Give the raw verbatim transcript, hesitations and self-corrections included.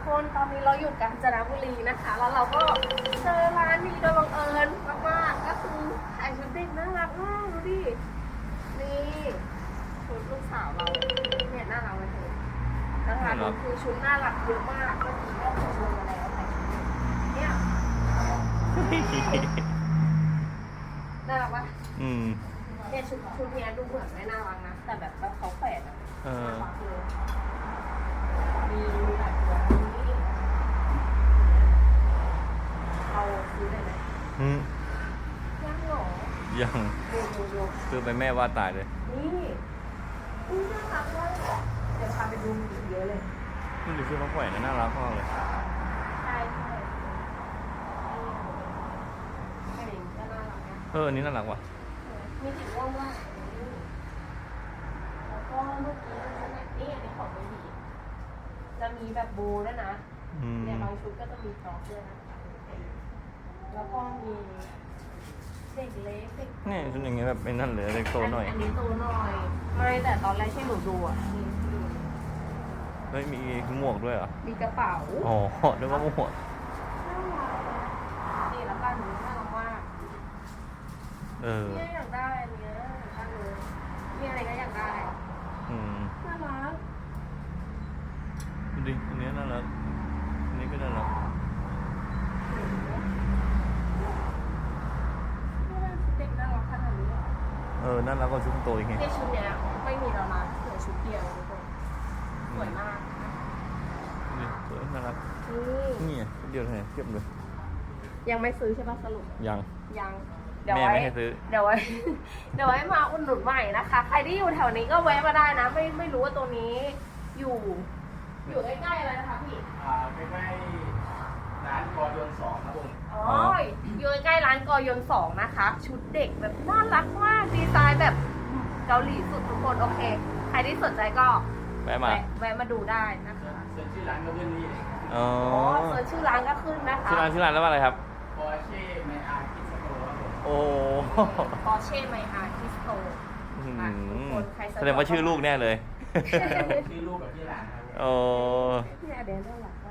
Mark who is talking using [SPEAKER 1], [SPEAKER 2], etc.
[SPEAKER 1] คนตอนนี้เราอยู่กาญจนบุรีนะคะ แล้วเราก็เจอร้านนี้โดยบังเอิญมากๆก็คือขายชุดเด็กน่ารักมากดูดินี่ชุดลูกสาวเราเนี่ยน่ารักเลยเธอนะคะดูคือชุดน่ารักเยอะมากเมื่อกี้ก็เจอมาแล้วแต่เนี่ยน่ารักปะ
[SPEAKER 2] อืม
[SPEAKER 1] เนี่ยชุดชุดเนี้ยดูเหมือนไม่น่ารักนะแต่แบบเขาแฝดอะน่ารักเลยมีแบบนี้เราซื้อได้ไหม
[SPEAKER 2] อืม
[SPEAKER 1] ยังหรอ
[SPEAKER 2] ยังซื้อไปแม่ว่าตายเลย
[SPEAKER 1] นี่นี่น่ารักเลยเดี๋ยวพาไปดูอีกเยอะเลย
[SPEAKER 2] นี่ดูชื่อเขาแขวนน่ารักมากเลย
[SPEAKER 1] ใช่ใช่อันนี้ก็น่ารักนะ
[SPEAKER 2] เอออันนี้น่ารักว่ะ
[SPEAKER 1] มีสีม่วงด้วยแล้วก็ลูกนี้นี่อันนี้ของเบบีจะมีแบบโบด้วยนะเนี่ยบางชุดก็จะมีฟรอกด้วยนะแล้วก็มีเด็กเล็กเด็ก
[SPEAKER 2] นี่ชุดอย่างเงี้ยแบบเป็นนั่นเลยเด็กโตหน่อย
[SPEAKER 1] อันนี้โตหน่อยไม่แต่ตอนแรกที่หนูดูอ่ะนี่ดู
[SPEAKER 2] เฮ้ยมีหมวกด้วยเหรอ
[SPEAKER 1] มีกระเป๋า
[SPEAKER 2] อ๋อนึกว่าหมวก
[SPEAKER 1] นี่แล้วก็หนูน่ารักมาก
[SPEAKER 2] เออ
[SPEAKER 1] เนี่ยอยากได้อันเนี้ยอยากได้เลยมีอะไรก็อยากได้
[SPEAKER 2] อืม
[SPEAKER 1] น่ารัก
[SPEAKER 2] ดูดิอันนี้น่ารักอันนี้ก็น่ารัก
[SPEAKER 1] เด็กน่ารักขนาดนี้เหรอ
[SPEAKER 2] เออน่ารักกว่าชุดโตอีกไง
[SPEAKER 1] ในชุดเนี้ยไม่มีแล้วนะเหลือชุดเดียวทุกคนสวยมาก
[SPEAKER 2] นี่สวยน่ารัก
[SPEAKER 1] นี่
[SPEAKER 2] นี่ชุดเดียวเลยเทียบเลย
[SPEAKER 1] ยังไม่ซื้อใช่ป่ะสรุป
[SPEAKER 2] ยัง
[SPEAKER 1] ยัง
[SPEAKER 2] เดี๋ยวไว้ไม่ให้ซื้อ
[SPEAKER 1] เดี๋ยวไว้เดี๋ยวไว้มาอุดหนุนใหม่นะคะใครที่อยู่แถวนี้ก็แวะมาได้นะไม่ไม่รู้ว่าตัวนี้อยู่อยู่ใกล้ๆอะไรนะคะพี่
[SPEAKER 3] อ่าใกล้ๆร้านกอยนสองครับผม
[SPEAKER 1] อ๋ออยู่ใกล้ร้านกอยนสองนะคะชุดเด็กแบบน่ารักมากดีไซน์แบบเกาหลีสุดทุกคนโอเคใครที่สนใจก็
[SPEAKER 2] แวะมา
[SPEAKER 1] แวะมาดูได้นะคะ
[SPEAKER 3] เซิร์ชชื่อร้านก็ขึ้นนี่
[SPEAKER 2] อ๋อ
[SPEAKER 1] เซิร์ชชื่อร้านก็ขึ้นนะคะ
[SPEAKER 2] ชื่อร้านชื่อร้านแล้วว่าอะไรครับ
[SPEAKER 3] ปอร์เช่ไมอาร์คิสโตครับผม
[SPEAKER 2] โอ้
[SPEAKER 1] ปอร์เช่ไมอาร์คิสโต
[SPEAKER 2] แสดงว่าชื่อลูกแน่เลย
[SPEAKER 3] ชื่อลูกกับชื่อหลานครับ
[SPEAKER 2] โอ้
[SPEAKER 1] พี่อาเดนน่ารัก